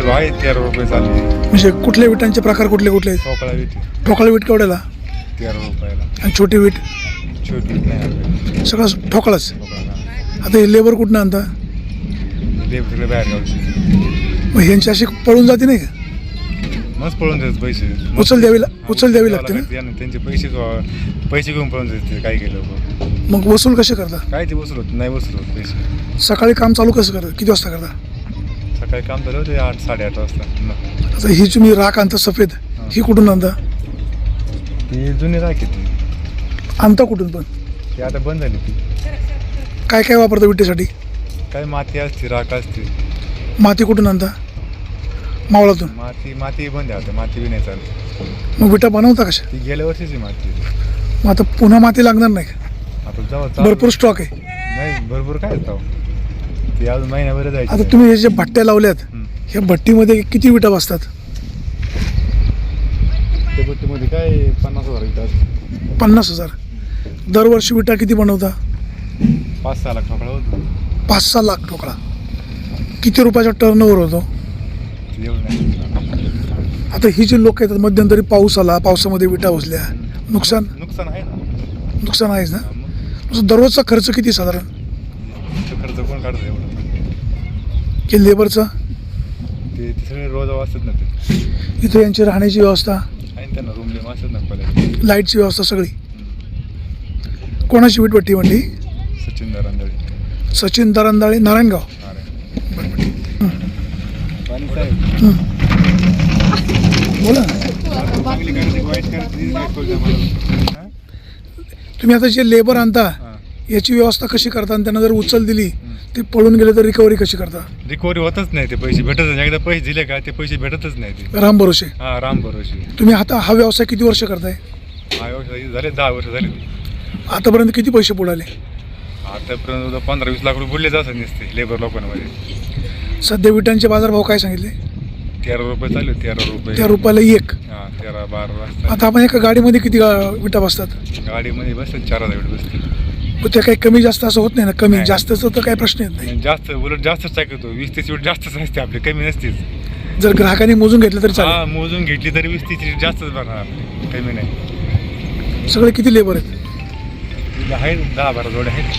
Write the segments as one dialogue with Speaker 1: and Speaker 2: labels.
Speaker 1: चालले भाई 13 रुपये चालले.
Speaker 2: म्हणजे कुठल्या विटांचे प्रकार कुठले कुठले आहेत?
Speaker 1: ठोकळा विट
Speaker 2: ठोकळा वीट केवढ्याला
Speaker 1: 13 रुपयाला.
Speaker 2: आणि छोटी वीट
Speaker 1: छोटी विट नाही आपल्याला.
Speaker 2: सगळं ठोकळाच.
Speaker 1: ठोकळा
Speaker 2: आता हे लेबर कुठनं आणता?
Speaker 1: देव सगळे बाहेर गावचे.
Speaker 2: मग ह्यांची अशी पळून जाते नाही का?
Speaker 1: मस्त पळून जायचे पैसे.
Speaker 2: उचल द्यावी लागते ना?
Speaker 1: त्यांचे पैसे घेऊन पळून जायचे काही काही लोक.
Speaker 2: मग वसूल कसे करता?
Speaker 1: काय ते वसूल होत नाही, वसूल होत पैसे.
Speaker 2: सकाळी काम चालू कसं करता? किती वाजता करता?
Speaker 1: सकाळी काम झालं होते 8 साडेआठ वाजता.
Speaker 2: आता ही तुम्ही राख आणता सफेद, ही कुठून आणता?
Speaker 1: ती जुनी राखी ती.
Speaker 2: आणता कुठून पण?
Speaker 1: ती आता बंद झाली ती.
Speaker 2: काय काय वापरता विटेसाठी?
Speaker 1: काय माती असते, राख असते.
Speaker 2: माती कुठून आणता? मावळातून.
Speaker 1: माती बंद आहे आता, माती बी नाही चालत.
Speaker 2: मग विटा बनवता कशा?
Speaker 1: ती गेल्या वर्षीची माती.
Speaker 2: मग आता पुन्हा माती लागणार नाही का?
Speaker 1: आता जाऊ
Speaker 2: भरपूर स्टॉक आहे.
Speaker 1: नाही भरपूर काय जाऊ ती अजून महिन्याभर जायची.
Speaker 2: आता तुम्ही हे जे भट्ट्या लावल्यात ह्या भट्टीमध्ये किती विटा बसतात?
Speaker 1: त्या भट्टीमध्ये काय 50,000 विटा असतात.
Speaker 2: 50,000. दरवर्षी विटा किती बनवता?
Speaker 1: 5-6 लाख ठोकळा होतो.
Speaker 2: 5-6 लाख ठोकळा. किती रुपयाचा टर्नओव्हर होतो?
Speaker 1: एवढं नाही.
Speaker 2: आता ही जी लोक येतात मध्यंतरी पाऊस आला, पावसामध्ये विटा बसल्या, नुकसान
Speaker 1: आहे ना.
Speaker 2: नुकसान आहेच ना? दररोजचा खर्च किती साधारण?
Speaker 1: खर्च कोण काढतं एवढं?
Speaker 2: की लेबरचा?
Speaker 1: ते सगळे रोज असतात ना. ते
Speaker 2: इथं यांची राहण्याची व्यवस्था,
Speaker 1: आहे ना, त्यांना रूम लिम असतात ना पहिले.
Speaker 2: लाईटची व्यवस्था सगळी. कोणाची वीटभट्टी म्हणली?
Speaker 1: सचिन दरांदळे.
Speaker 2: सचिन दरांदाळे, नारायणगाव. बोला ना. तुम्ही आता जे लेबर आणता याची व्यवस्था कशी करता? आणि त्यांना जर उचल दिली ते पळून गेले तर रिकव्हरी कशी करता?
Speaker 1: रिकव्हरी होतच नाही, ते पैसे भेटतच नाही. एकदा पैसे दिले का ते पैसे भेटतच नाही. ते
Speaker 2: राम भरोसे.
Speaker 1: हा, राम भरोसे.
Speaker 2: तुम्ही आता हा व्यवसाय किती वर्ष करताय?
Speaker 1: झाले 10 वर्ष झाले.
Speaker 2: आतापर्यंत किती पैसे बुडाले?
Speaker 1: आतापर्यंत 15-20 लाख रुपये बुडलेच असं नसते लेबर लोकांमध्ये.
Speaker 2: सध्या विटांचे बाजारभाव काय सांगितले?
Speaker 1: 13 रुपये चालू. 13 रुपये.
Speaker 2: 13 रुपयाला एक.
Speaker 1: हा, 13-12 वाजता.
Speaker 2: आता आपण एका गाडीमध्ये किती विटा बसतात?
Speaker 1: गाडीमध्ये बसतात 4,000 विट बसते.
Speaker 2: मग त्या काही कमी जास्त असं होत नाही ना? कमी जास्तच तर काही प्रश्न येत नाही.
Speaker 1: जास्त उलट जास्तच टाकतो. 20-30 विट जास्तच असते आपली, कमी नसतेच.
Speaker 2: जर ग्राहकांनी मोजून घेतलं तरी
Speaker 1: हा,
Speaker 2: चालेल.
Speaker 1: मोजून घेतली तरी 20-30 विट जास्तच भरणार आपली, कमी नाही.
Speaker 2: सगळे किती लेबर आहेत?
Speaker 1: आहेत 10-12 जोड्या आहेत.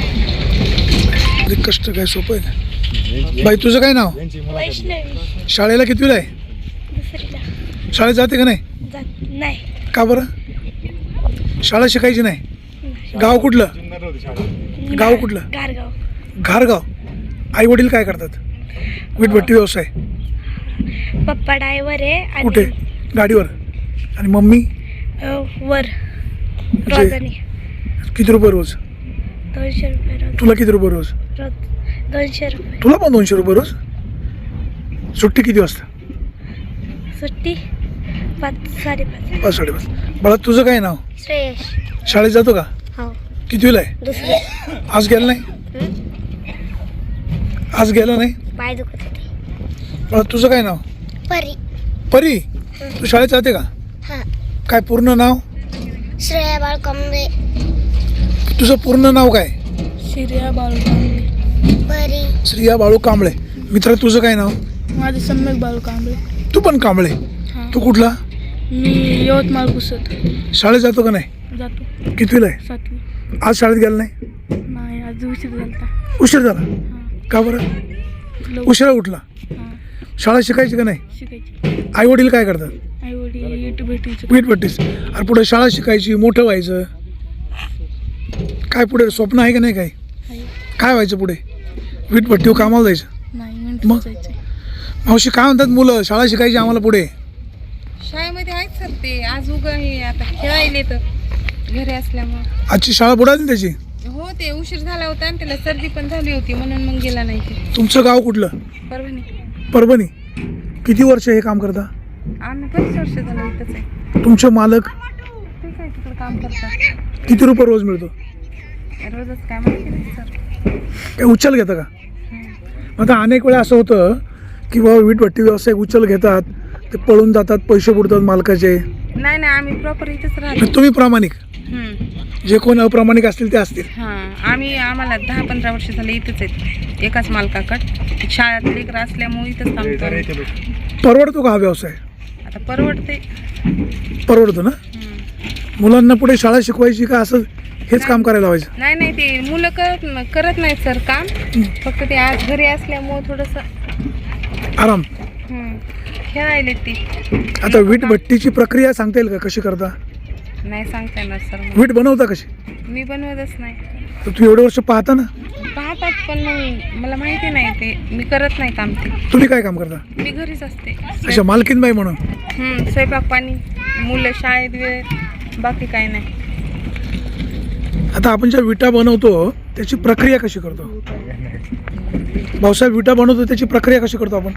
Speaker 2: कष्ट काय सोपं आहे का? बाई तुझं काय नाव?
Speaker 3: वैष्णवी.
Speaker 2: शाळेला कितवीला आहे?
Speaker 3: दुसरीला.
Speaker 2: शाळेत जाते का नाही?
Speaker 3: नाही.
Speaker 2: का बरं? शाळा शिकायची नाही? गाव कुठलं? गाव कुठलं?
Speaker 3: गारगाव.
Speaker 2: घारगाव. आई वडील काय करतात? वीटभट्टी व्यवसाय.
Speaker 3: पप्पा ड्रायव्हर आहे.
Speaker 2: कुठे? गाडीवर. आणि मम्मी?
Speaker 3: वर
Speaker 2: म्हणजे
Speaker 3: रोजाने
Speaker 2: किती रुपये रोज?
Speaker 3: 200 रुपये रोज.
Speaker 2: तुला किती रुपये रोज?
Speaker 3: 200 रुपये.
Speaker 2: तुला पण 200 रुपये रोज? सुट्टी किती वाजता?
Speaker 3: सुट्टी 5-5:30.
Speaker 2: 5-5:30. बाळा तुझं काय नाव?
Speaker 3: श्रेयश.
Speaker 2: शाळेत जातो का?
Speaker 3: हो.
Speaker 2: कितवीला आहे?
Speaker 3: दुसरी.
Speaker 2: आज गेला नाही? आज गेला नाही?
Speaker 3: पाय दुखत होते.
Speaker 2: बाळा तुझं काय नाव?
Speaker 3: परी.
Speaker 2: परी. तू शाळेत जाते का?
Speaker 3: हां.
Speaker 2: काय पूर्ण नाव?
Speaker 3: श्रेया बाळकांबळे.
Speaker 2: तुझं पूर्ण नाव काय?
Speaker 3: श्रेया बाळकांबळे. परी.
Speaker 2: श्रिया बाळू कांबळे. मित्र तुझं काय नाव?
Speaker 3: माझं सम्यक बाळकांबळे.
Speaker 2: तू पण कांबळे. तू कुठला?
Speaker 3: मी यवतमाळ पुसत.
Speaker 2: शाळेत जातो का नाही?
Speaker 3: जातो.
Speaker 2: कितवीला आहे?
Speaker 3: 7वी.
Speaker 2: आज शाळेत गेला नाही?
Speaker 3: नाही, आज उशीर झाला.
Speaker 2: उशीर झाला का बरं? उशिरा उठला. शाळा शिकायची का नाही?
Speaker 3: शिकायची.
Speaker 2: आई वडील काय करतात?
Speaker 3: आई वडील भेटायचं.
Speaker 2: वीटभट्टीच. अरे पुढे शाळा शिकायची, मोठं व्हायचं, काय पुढे स्वप्न आहे का नाही? काय व्हायचं पुढे? वीटभट्टीवर कामाला जायचं?
Speaker 3: नाही,
Speaker 2: मग मावशी काय म्हणतात मुलं? शाळा शिकायची आम्हाला पुढे.
Speaker 4: शाळेमध्ये आहेत सर ते. आज उगा हे आता खेळायले तर घरी असल्यामुळे.
Speaker 2: आजची शाळा बुडाली त्याची?
Speaker 4: हो, ते उशीर झाला होता आणि त्याला सर्दी पण झाली होती म्हणून मग गेला नाही ते.
Speaker 2: तुमचं गाव कुठलं?
Speaker 4: परभणी.
Speaker 2: परभणी. किती वर्ष हे काम करता?
Speaker 4: आम्ही 5 वर्ष झालं इथंच आहे.
Speaker 2: तुमचे मालक
Speaker 4: ते काय तिकडं काम करतात.
Speaker 2: किती रुपये रोज मिळतो?
Speaker 4: रोजच काय माहिती नाही सर.
Speaker 2: काय उचल घेता का? आता अनेक वेळा असं होतं की बाबा वीटभट्टी व्यावसायिक उचल घेतात, ते पळून जातात, पैसे बुडतात मालकाचे.
Speaker 4: नाही नाही, आम्ही प्रॉपर इथेच राहतो.
Speaker 2: तर तुम्ही प्रामाणिक,
Speaker 4: हम्म.
Speaker 2: जे कोण अप्रामाणिक असतील ते असतील.
Speaker 4: आम्हाला 10-15 वर्ष झाले इथंच आहेत, एकाच मालकाकडे. शाळेत लेकरं असल्यामुळे इथंच थांबतो.
Speaker 2: परवडतो का हा व्यवसाय?
Speaker 4: आता परवडते.
Speaker 2: परवडतो ना. मुलांना पुढे शाळा शिकवायची का असं हेच काम करायला लावायचं?
Speaker 4: नाही नाही, ते मुलं करत नाहीत सर काम, फक्त ते आज घरी असल्यामुळं थोडंसं
Speaker 2: आराम.
Speaker 4: खेळायले ती.
Speaker 2: आता वीट भट्टीची प्रक्रिया सांगता येईल का, कशी करता?
Speaker 4: नाही सांगता येणार सर,
Speaker 2: वीट बनवता कशी?
Speaker 4: मी बनवतच नाही.
Speaker 2: तर तू एवढे वर्ष पाहता ना.
Speaker 4: पाहतात पण मग मला माहिती नाही, ते मी करत नाही काम. ते
Speaker 2: तुम्ही काय काम करता?
Speaker 4: मी घरीच असते.
Speaker 2: अच्छा, मालकीनबाई म्हणून.
Speaker 4: स्वयंपाक पाणी, मुलं शाळेत वेळ, बाकी काय नाही.
Speaker 2: आता आपण ज्या विटा बनवतो त्याची प्रक्रिया कशी करतो? भाऊसाहेब, विटा बनवतो त्याची प्रक्रिया कशी करतो आपण?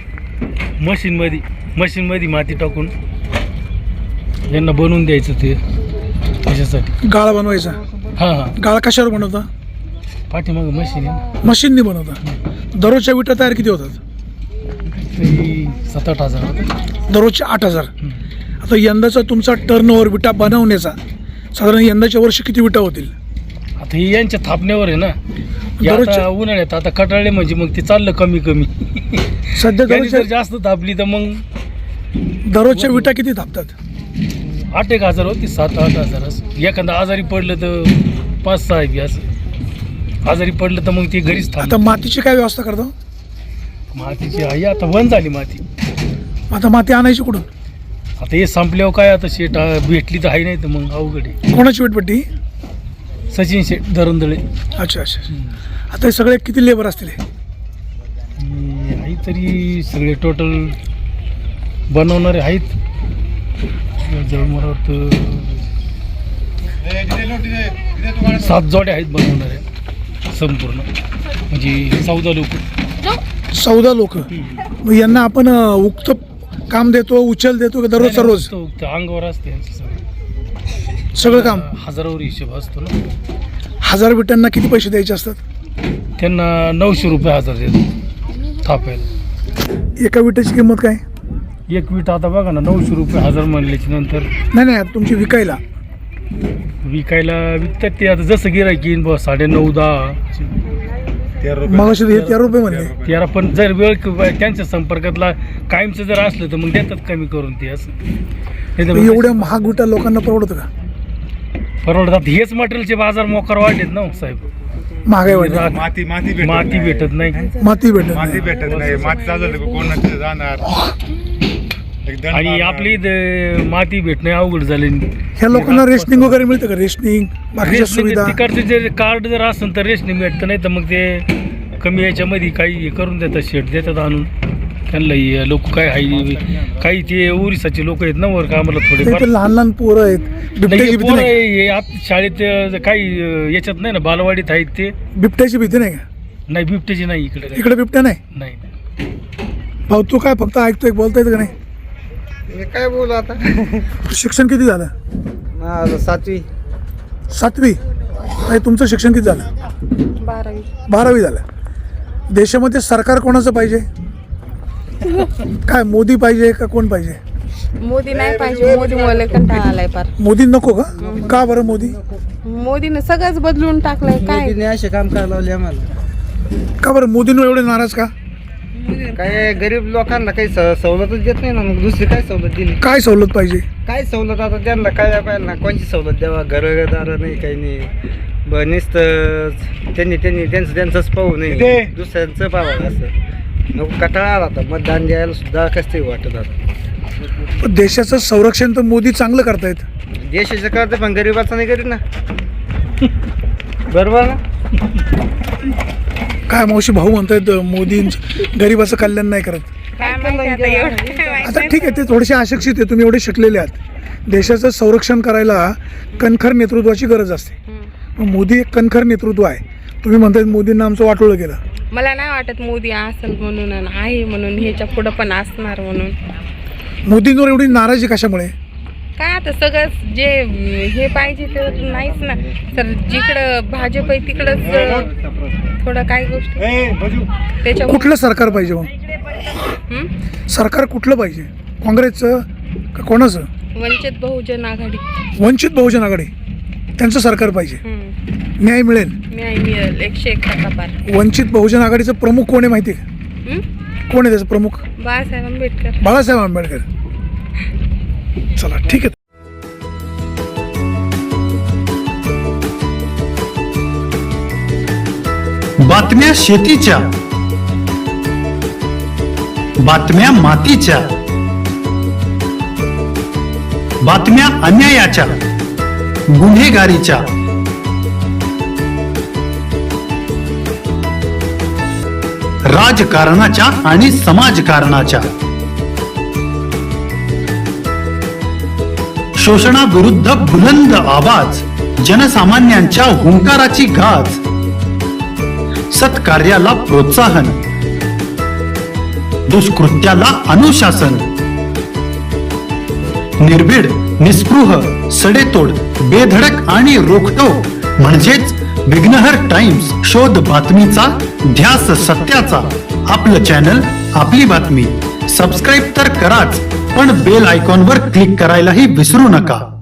Speaker 5: मशीनमध्ये माती टाकून यांना बनवून द्यायचं ते त्याच्यासाठी.
Speaker 2: गाळा बनवायचा.
Speaker 5: हां
Speaker 2: गाळा कशावर बनवता?
Speaker 5: पाठीमागं मशीन आहे.
Speaker 2: मशीनने बनवता. दररोजच्या विटा तयार किती होतात?
Speaker 5: तरी 7-8 हजार.
Speaker 2: दररोजच्या 8,000. आता यंदाचा तुमचा टर्नओव्हर विटा बनवण्याचा साधारण यंदाच्या वर्षी किती विटा होतील?
Speaker 5: आता हे यांच्या थापण्यावर आहे ना. हे
Speaker 2: दररोजच्या-
Speaker 5: आता उन्हाळ्यात आता कटाळले म्हणजे मग ते चाललं कमी
Speaker 2: सध्या
Speaker 5: त्यांनी जर
Speaker 2: दररोजच्या
Speaker 5: जास्त थापली तर मग
Speaker 2: दररोजच्या विटा किती थापतात?
Speaker 5: 8-1 हजार होती, 7-8 हजार असं. एखादा आजारी पडलं तर 5-6 बी असं. आजारी पडलं तर मग ते घरीच
Speaker 2: आता
Speaker 5: थांब.
Speaker 2: मातीची काय व्यवस्था करतो?
Speaker 5: मातीची आई आता बंद झाली माती.
Speaker 2: आता माती आणायची कुठून?
Speaker 5: आता हे संपल्यावर काय आता शेट भेटली तर आहे, नाही तर मग अवघड आहे.
Speaker 2: कोणाची वीटभट्टी?
Speaker 5: सचिन शेट दरंदळे.
Speaker 2: अच्छा अच्छा. आता हे सगळे किती लेबर असतील हे?
Speaker 5: आहे तरी सगळे टोटल बनवणारे आहेत जवळ मला वाटतं 7 जोड्या आहेत बनवणाऱ्या संपूर्ण, म्हणजे 14 लोक.
Speaker 2: 14 लोक. मग यांना आपण उक्त काम देतो, उचल देतो का दररोजचा रोज?
Speaker 5: अंगावर असते यांचं
Speaker 2: सगळं काम?
Speaker 5: हजारावर हिशोब असतो ना.
Speaker 2: 1000 विटांना किती पैसे द्यायचे असतात?
Speaker 5: त्यांना 900 रुपये हजार देतो थापायला.
Speaker 2: एका विटाची किंमत काय?
Speaker 5: एक वीट आता बघा ना, 900 रुपये हजार म्हणल्याच्या नंतर.
Speaker 2: नाही आता तुमची विकायला
Speaker 5: विकतात ते आता जसं गिरायक येईन बस 9.5-10.
Speaker 2: मग असे 13 रुपये म्हणले.
Speaker 5: त्याला पण जर वेळ त्यांच्या संपर्कातला कायमचं जर असलं तर मग देतात कमी करून ते असं. नाही तर मग
Speaker 2: एवढ्या महाग विटा लोकांना परवडतं का?
Speaker 5: परवडतात. हेच मटेरियलचे बाजार मोकार वाढलेत ना हो साहेब.
Speaker 2: महागाई वाढली.
Speaker 1: माती
Speaker 5: माती भेटत नाही.
Speaker 2: माती भेटत
Speaker 1: माती
Speaker 2: नाही.
Speaker 1: भेटत नाही. माती चाललं तर कोण तिथे जाणार. एक दंड
Speaker 5: आणि
Speaker 1: मारणार.
Speaker 5: आपली इथं माती भेटणे अवघड झाले.
Speaker 2: ह्या लोकांना रेशनिंग वगैरे मिळतं का? रेशनिंग, बाकीच्या सुविधा?
Speaker 5: तिकडचे जे कार्ड जर असेल तर रेशनिंग भेटतं, नाही तर मग ते कमी याच्यामध्ये काही हे करून देतात, शेट देतात आणून त्यांना. लोक काय आहे, काही ते ओरिसाचे लोक आहेत ना वर कामाला थोडेफार.
Speaker 2: इथे लहान लहान पोरं आहेत. बिबट्याची भीती
Speaker 5: पोरं
Speaker 2: नाही का?
Speaker 5: हे आत शाळेत काही याच्यात नाही ना, बालवाडीत आहेत ते.
Speaker 2: बिबट्याची भीती नाही का?
Speaker 5: नाही बिबट्याची नाही इकडे काही.
Speaker 2: इकडे बिबट्या नाही.
Speaker 5: नाही.
Speaker 2: भाऊ तू काय फक्त ऐकतोय, बोलता येतं का नाही?
Speaker 6: काय बोलू आता.
Speaker 2: शिक्षण किती झालं?
Speaker 6: माझं 7वी.
Speaker 2: 7वी. आणि तुमचं शिक्षण किती झालं?
Speaker 4: 12वी.
Speaker 2: 12वी झालं. देशामध्ये सरकार कोणाचं पाहिजे? काय मोदी पाहिजे का कोण पाहिजे?
Speaker 4: मोदी नाही पाहिजे. मोदी मला कंटाळा आलाय फार.
Speaker 2: मोदी नको का? का बरं मोदी?
Speaker 4: मोदीनं सगळंच बदलून टाकलंय. काय
Speaker 6: मोदीने असे काम करायला लावले आम्हाला.
Speaker 2: का बरं मोदींवर एवढे नाराज का?
Speaker 6: काय गरीब लोकांना काही सवलतच देत नाही ना. मग दुसरी काय सवलत दिली?
Speaker 2: काय सवलत पाहिजे?
Speaker 6: काय सवलत आता त्यांना काय पाहिजे ना. कोणची सवलत द्यावा? घरदार नाही, काही नाही. नुसतं त्यांचंच पाहू नाही, दुसऱ्यांचं पाहावं असं. नको कंटाळा आला आता. मतदान द्यायला सुद्धा कसं तरी वाटत आता.
Speaker 2: पण देशाचं संरक्षण तर मोदी चांगलं करतायत.
Speaker 6: देशाचं करते पण गरीबाचं नाही करीत ना. बरोबर ना.
Speaker 2: काय मावशी भाऊ म्हणतायत मोदी गरिबाचं कल्याण नाही करत.
Speaker 4: काय माहिती आता एवढं काय माहिती.
Speaker 2: आता ठीक आहे, ते थोडेसे अशिक्षित आहे, तुम्ही एवढे शिकलेले आहात. देशाचं संरक्षण करायला कणखर नेतृत्वाची गरज असते. मग मोदी एक कणखर नेतृत्व आहे. तुम्ही म्हणतायत मोदींना आमचं वाटोळं केलं.
Speaker 4: मला नाही वाटत मोदी असेल म्हणून आणि आहे म्हणून, ह्याच्या पुढं पण असणार म्हणून.
Speaker 2: मोदींवर एवढी नाराजी कशामुळे?
Speaker 4: काय आता सगळंच जे हे पाहिजे ते नाहीच ना सर. जिकडं भाजप आहे तिकडंच थोडं काही गोष्टी त्याच्यामुळे.
Speaker 2: कुठलं सरकार पाहिजे मग?
Speaker 4: हं?
Speaker 2: सरकार कुठलं पाहिजे? काँग्रेसचं का कोणाचं?
Speaker 4: वंचित बहुजन आघाडी.
Speaker 2: वंचित बहुजन आघाडी, त्यांचं सरकार पाहिजे, न्याय मिळेल.
Speaker 4: न्याय मिळेल 101 पार.
Speaker 2: वंचित बहुजन आघाडीचं प्रमुख कोण आहे माहिती आहे का? कोण आहे त्याचं प्रमुख?
Speaker 4: बाळासाहेब आंबेडकर.
Speaker 2: बाळासाहेब आंबेडकर. चला ठीक आहे.
Speaker 7: बातम्या शेतीच्या, बातम्या मातीच्या, बातम्या अन्यायाच्या, गुन्हेगारीच्या, राजकारणाच्या आणि समाजकारणाच्या, शोषणाविरुद्ध बुलंद आवाज, जनसामान्यांच्या हुंकाराची गाज, सत्कार्याला प्रोत्साहन, दुष्कृत्याला अनुशासन, निर्भीड, निस्पृह, सडेतोड, बेधडक आणि रोखठोक म्हणजेच विघ्नहर टाइम्स. शोध बातमीचा, ध्यास सत्याचा. आपलं चॅनल, आपली बातमी. सबस्क्राईब तर कराच, पण बेल आयकॉनवर क्लिक करायलाही विसरू नका.